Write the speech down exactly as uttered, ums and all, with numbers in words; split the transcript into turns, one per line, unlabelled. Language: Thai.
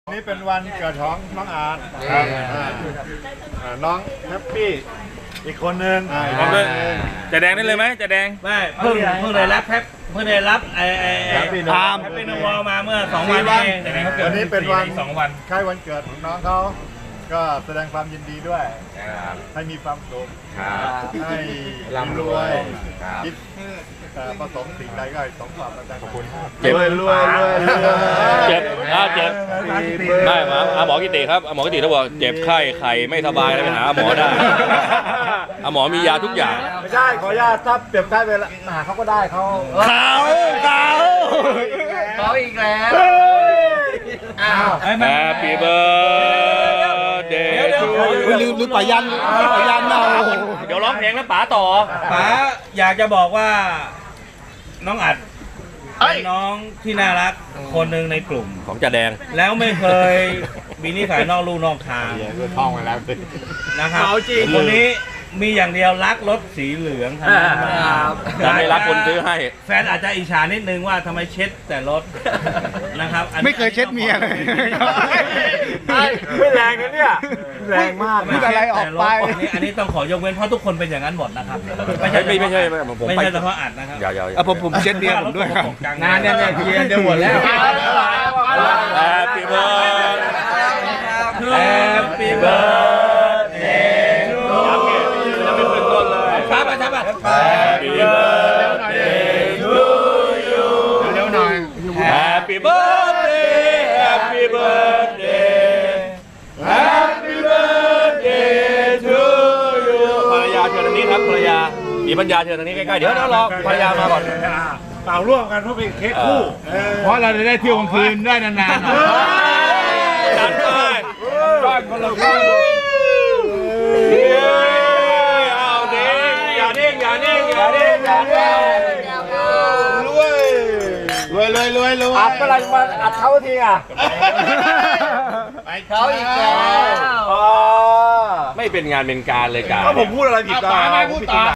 นี่เป็นวันเกิดของน้องอาร์ตครับน้องแฮปปี้อีกคนนึง
จะแดงได้เลยไหมจะแดง
ไม่เพิ่งเพิ่งได้รับแฮปเพิ่งได้รับไอ้ไอ้แฮปปี้นามแฮปปี้นวอลมาเมื่อสองวันเองแต่เขาเกิด
วันนี้เป็นวัน
สองวัน
ใกล้วันเกิดของน้องเขาก็แสดงความยินดีด้วยให้มีความสุขให้ร่ำรวยคิดประสงค์สิ่งใดก็ให้สมความตั้งใจขอบคุณ
เจ็บ
รวยรวยรวย
เจ็บอ่าเจ็บได้มาหมอกิติครับหมอกิติเขาบอกเจ็บไข้ไข่ไม่สบายแล้วไปหาหมอได้หมอมียาทุกอย่าง
ไม่ใช่ขออนุญาตถ้าเปรียบเทียบเวลาหาเขาก็ได้เขา
เขาเขา
เขาอีกแล้ว
Happy birthday to you
ลืมลืมป่ายันป่ายันเรา
เดี๋ยวร้องเพลงแล้วป๋าต่อ
ป๋าอยากจะบอกว่าน้องอัดเป็นน้องที่น่ารักคนหนึ่งในกลุ่ม
ของจ่าแดง
แล้วไม่เคยมีนิสัยนอกลู่นอกทาง
ท่องไปแล้ว
นะครับคนนี้มีอย่างเดียวรักรถสีเหลืองครับ
แต่ไม่รักคนซื้อให้
แฟนอาจจะอิจฉานิดนึงว่าทำไมเช็ดแต่รถนะครับ
ไม่เคยเช็ดเมียเลย
ไม่แรงนะเนี่ยแรงมาก
พูดอะไรออกไป
อันนี้ต้องขอยกเว้นเพราะทุกคนเป็นอย่างนั้นหมดนะครับ
ไม่ใช่ไม่ใช่ผม
ไม่ใช่เฉพาะอัดนะครับ
อย่าผมผมเช็ดเมียผมด้วยครับ
งานเนี่ยเนี่ยเทียนจะหมดแล้ว
Happy birthday
Happy birthday
จะไม่เป็นต้นเลย
ช้าไปช้าไป
Happy birthday to you
เร็วหน่อย
Happy birthday Happy birthday Happy birthday to you ภรรยาเชิญทางนี้ครับภรรยามีปัญญาเชิญทางนี้ใกล้ๆเดี๋ยวเดี๋ยวรอภรรยามาก่อน
เป่าร่วมกันเพราะเป็นเค้กคู่
เพราะเราจะได้เที่ยวกลางคืนได้นาน
ๆจัดไปบ้านคนละคู่เอาเด้งอย่าเด้งอย่าเด้งอย่าเด้งอย่าเด้ง
รวยรวยรวยรวยรวยอัดเมื่อไรมาอัดเขาทีอ่ะ
ไปเขาอีกแล้ว
ไม่เป็นงานเป็นการเลยจ้า
ก็ผมพูดอะไรผิดตา